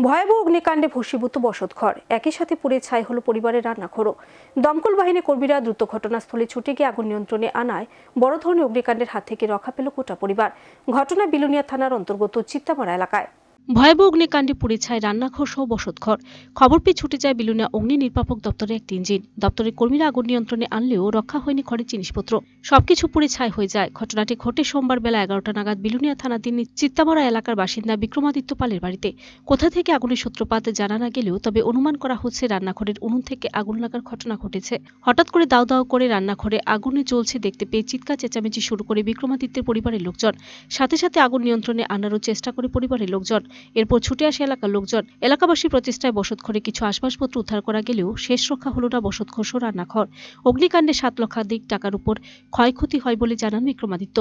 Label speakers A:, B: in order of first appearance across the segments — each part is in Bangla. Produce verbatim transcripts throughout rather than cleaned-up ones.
A: ভয়াবহ অগ্নিকাণ্ডে ভস্মীভূত বসতঘর, একই সাথে পুড়ে ছাই হলো পরিবারের রান্নাঘরও। দমকল বাহিনী কর্মীরা দ্রুত ঘটনাস্থলে ছুটে গিয়ে আগুন নিয়ন্ত্রণে আনায় বড় ধরনের অগ্নিকাণ্ডের হাত থেকে রক্ষা পেল গোটা পরিবার। ঘটনা বিলোনিয়া থানার অন্তর্গত চিত্তামারা এলাকায়। ভয়াবহ অগ্নিকাণ্ডে পুড়ে ছাই রান্নাঘর সহ বসতঘর। খবর পেয়ে ছুটে যায় বিলোনিয়া অগ্নি নির্বাপক দপ্তরের একটি ইঞ্জিন। দপ্তরের কর্মীরা আগুন নিয়ন্ত্রণে আনলেও রক্ষা হয়নি ঘরের জিনিসপত্র, সবকিছু পুড়ে ছাই হয়ে যায়। ঘটনাটি ঘটে সোমবার বেলা এগারোটা নাগাদ বিলোনিয়া থানাধীন চিত্তামারা এলাকার বাসিন্দা বিক্রমাদিত্য পালের বাড়িতে। কোথা থেকে আগুনের সূত্রপাত জানা না গেলেও তবে অনুমান করা হচ্ছে রান্নাঘরের উনুন থেকে আগুন লাগার ঘটনা ঘটেছে। হঠাৎ করে দাউ দাউ করে রান্নাঘরে আগুনে জ্বলছে দেখতে পেয়ে চিৎকার চেঁচামেচি শুরু করে বিক্রমাদিত্যের পরিবারের লোকজন। সাথে সাথে আগুন নিয়ন্ত্রণে আনারও চেষ্টা করে পরিবারের লোকজন। এরপর ছুটে আসে এলাকার লোকজন। এলাকাবাসীর প্রচেষ্টায় বসতঘরে কিছু আসবাবপত্র উদ্ধার করা গেলেও শেষ রক্ষা হল না বসতঘর ও রান্নাঘর। অগ্নিকাণ্ডে সাত লক্ষাধিক টাকার উপর ক্ষয়ক্ষতি হয় বলে জানান বিক্রমাদিত্য।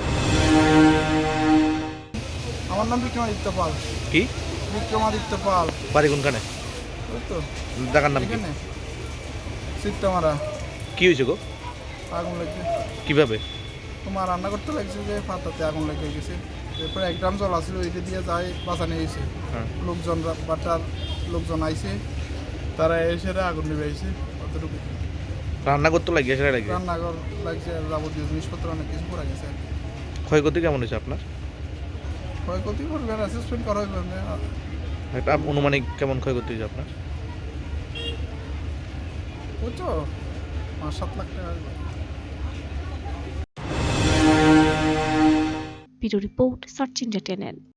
B: আমার নাম বিক্রমাদিত্য পাল।
C: কি
B: বিক্রমাদিত্য পাল।
C: বাড়ি কোনখানে?
B: ওই তো
C: জায়গার নাম কি?
B: এখানে চিত্তামারা।
C: কি হয়েছে গো?
B: আগুন লেগে।
C: কিভাবে?
B: তোমার রান্না করতে লাগছে যে পাতাতে আগুন লেগে গেছে। এরপরে এক গ্রাম জল আসছিল, ওইটা দিয়ে যায় বাঁচানো হয়েছে। লোকজন বাটার লোকজন আইছে, তারা এসে আগুন নিবে আইছে। অতটুকু
C: রান্না করতে লাগিয়ে সেটা লাগে
B: রান্নাঘর লাগছে, যাবতীয় জিনিসপত্র অনেক কিছু পড়ে গেছে।
C: ক্ষয়ক্ষতি কেমন হয়েছে আপনার?
B: ক্ষয়ক্ষতি করবে, অ্যাসেসমেন্ট করা হইবে।
C: একটা অনুমানিক কেমন ক্ষয়ক্ষতি হয়েছে আপনার?
B: বুঝছো, পাঁচ সাত লাখ টাকা।
A: Bureau report, search India channel.